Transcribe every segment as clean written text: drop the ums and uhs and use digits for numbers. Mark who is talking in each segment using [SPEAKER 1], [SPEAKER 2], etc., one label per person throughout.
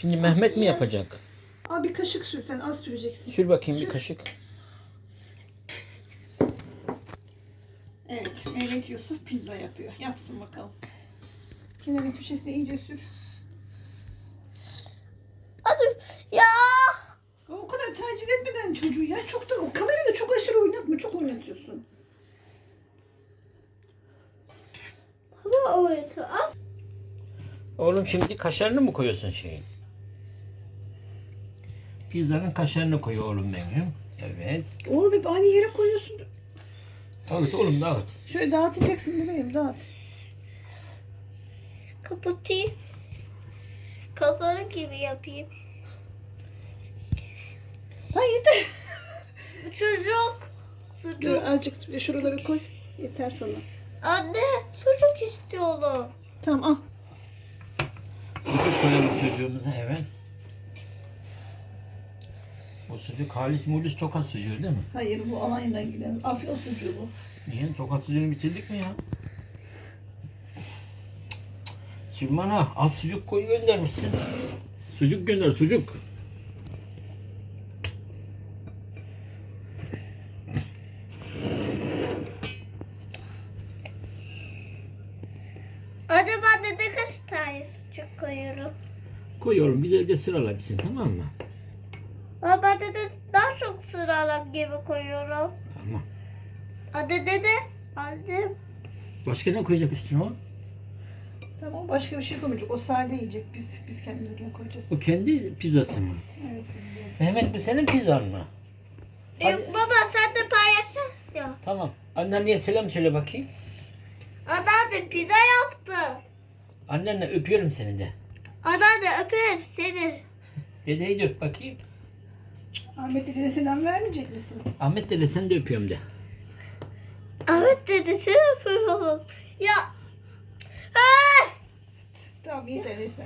[SPEAKER 1] Şimdi Mehmet mi yapacak?
[SPEAKER 2] Al bir kaşık sür, sen az süreceksin.
[SPEAKER 1] Sür bakayım
[SPEAKER 2] Sür.
[SPEAKER 1] bir kaşık.
[SPEAKER 2] Evet, Mehmet Yusuf pizza yapıyor. Yapsın bakalım. Kenarın köşesine iyice sür.
[SPEAKER 3] Hadi ya.
[SPEAKER 2] O kadar taciz etmeden çocuğu ya. Çoktan o kamerayı da çok aşırı oynatma. Çok oynatıyorsun.
[SPEAKER 3] Baba oynatıyor. Al.
[SPEAKER 1] Oğlum şimdi kaşarını mı koyuyorsun şeyin? Pizzanın kaşarını koy oğlum benim. Evet.
[SPEAKER 2] Oğlum hep aynı yere koyuyorsun.
[SPEAKER 1] Dağıt oğlum dağıt.
[SPEAKER 2] Şöyle dağıtacaksın bebeğim, dağıt.
[SPEAKER 3] Kapatayım. Kafanı gibi yapayım.
[SPEAKER 2] Ha yeter.
[SPEAKER 3] Çocuk.
[SPEAKER 2] Dur
[SPEAKER 3] Sucuk.
[SPEAKER 2] azıcık şuraları koy. Yeter sana.
[SPEAKER 3] Anne sucuk istiyorum.
[SPEAKER 2] Tamam al.
[SPEAKER 1] Sucuk koyalım çocuğumuza hemen. Bu sucuk halis mulis Tokat sucuğu değil mi?
[SPEAKER 2] Hayır, bu Alanya'dan giden Afyon sucuğu bu.
[SPEAKER 1] Niye? Tokat sucuğunu bitirdik mi ya? Şimdi bana az sucuk koy göndermişsin. Sucuk gönder sucuk.
[SPEAKER 3] Anne ben de kaç tane sucuk koyuyorum.
[SPEAKER 1] Koy oğlum bir de sırala gitsin tamam mı?
[SPEAKER 3] Ama ben de daha çok sıralar gibi koyuyorum.
[SPEAKER 1] Tamam.
[SPEAKER 3] Anne dede. Annem.
[SPEAKER 1] Başka ne koyacak üstüne o?
[SPEAKER 2] Tamam, başka bir şey koymayacak. O sade yiyecek. Biz kendimize koyacağız.
[SPEAKER 1] O kendi pizzası mı?
[SPEAKER 2] Evet.
[SPEAKER 1] Mehmet bu senin pizzan mı? Hadi.
[SPEAKER 3] Yok baba sen de paylaşırsın ya.
[SPEAKER 1] Tamam. Annenle selam söyle bakayım.
[SPEAKER 3] Anneanne pizza yaptı.
[SPEAKER 1] Annenle öpüyorum seni de.
[SPEAKER 3] Anneanne öperim seni.
[SPEAKER 1] Dedeyi de öp bakayım.
[SPEAKER 2] Ahmet dedene selam vermeyecek misin?
[SPEAKER 1] Ahmet dede seni de öpüyorum de.
[SPEAKER 3] Evet dedi seni öpüyorum. Ya. Ah!
[SPEAKER 2] Tamam yeter yeter.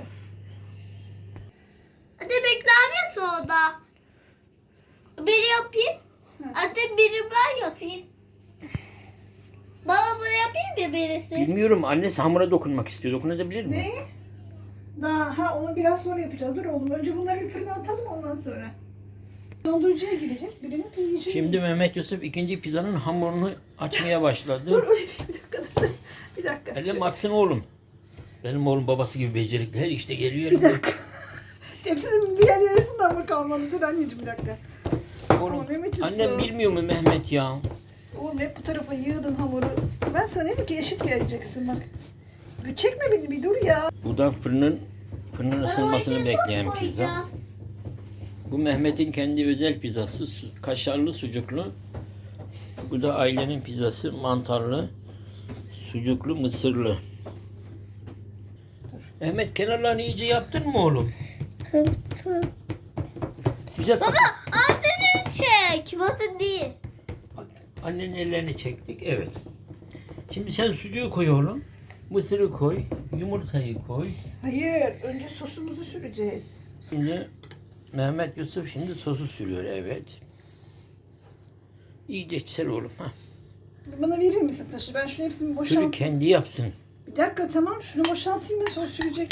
[SPEAKER 3] Hadi bekler soda. Biri yapayım. Hadi biri ben yapayım. Baba bunu yapayım mı birisi?
[SPEAKER 1] Bilmiyorum annesi hamura dokunmak istiyor. Dokunabilir mi?
[SPEAKER 2] Ne? Daha onu biraz sonra yapacağız. Dur oğlum. Önce bunları bir fırına atalım, ondan sonra. Dondurucuya girecek. Birini yiyecek.
[SPEAKER 1] Şimdi Mehmet Yusuf ikinci pizzanın hamurunu açmaya başladı.
[SPEAKER 2] Dur öyle değil. Bir dakika dur. Bir dakika.
[SPEAKER 1] Elim atsın oğlum. Benim oğlum babası gibi becerikli. Her işte geliyor.
[SPEAKER 2] Bir dakika. Tepsinin diğer yarısında hamur kalmadı. Dur anneciğim bir dakika.
[SPEAKER 1] Oğlum,
[SPEAKER 2] Ama Mehmet Yusuf.
[SPEAKER 1] annem bilmiyor mu Mehmet ya?
[SPEAKER 2] Oğlum hep bu tarafa yığdın hamuru. Ben sana dedim ki eşit geleceksin bak. Bir çekme beni, bir dur ya.
[SPEAKER 1] Bu da fırının ısınmasını bekleyen pizza. Bu Mehmet'in kendi özel pizzası. Kaşarlı, sucuklu. Bu da ailenin pizzası. Mantarlı, sucuklu, mısırlı. Mehmet kenarlarını iyice yaptın mı oğlum? Güzel.
[SPEAKER 3] Baba annenin çek. Batın değil.
[SPEAKER 1] Annenin ellerini çektik. Evet. Şimdi sen sucuğu koy oğlum. Mısırı koy. Yumurtayı koy.
[SPEAKER 2] Hayır, önce sosumuzu süreceğiz.
[SPEAKER 1] Şimdi Mehmet Yusuf şimdi sosu sürüyor. Evet. İyice ser oğlum. Ha.
[SPEAKER 2] Bana verir misin taşı? Ben şunu hepsini
[SPEAKER 1] Çocuk
[SPEAKER 2] boşaltayım.
[SPEAKER 1] kendi yapsın.
[SPEAKER 2] Bir dakika tamam, şunu boşaltayım ben, sonra sürecek.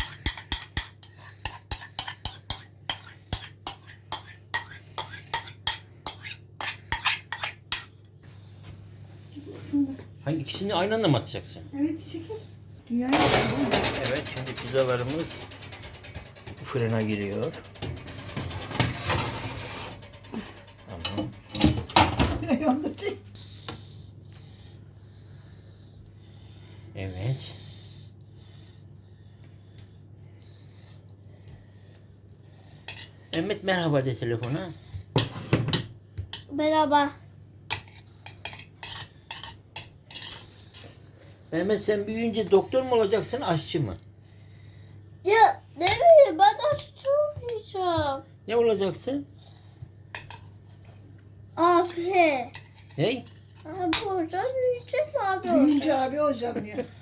[SPEAKER 2] Isındı.
[SPEAKER 1] Hangi ikisini aynı anda mı atacaksın?
[SPEAKER 2] Evet çekil. Dünyaya bakıyorum.
[SPEAKER 1] Evet şimdi pizzalarımız fırına giriyor. Tamam.
[SPEAKER 2] Yanında çek.
[SPEAKER 1] Evet. Mehmet merhaba de telefona.
[SPEAKER 3] Merhaba.
[SPEAKER 1] Mehmet sen büyüyünce doktor mu olacaksın aşçı mı?
[SPEAKER 3] Ya ne bileyim ben aşçı olmayacağım.
[SPEAKER 1] Ne olacaksın?
[SPEAKER 3] Abi.
[SPEAKER 1] Ne?
[SPEAKER 3] Abi hocam büyüyecek mi abi
[SPEAKER 2] Büyüyünce
[SPEAKER 3] olacak?
[SPEAKER 2] abi olacağım diyor.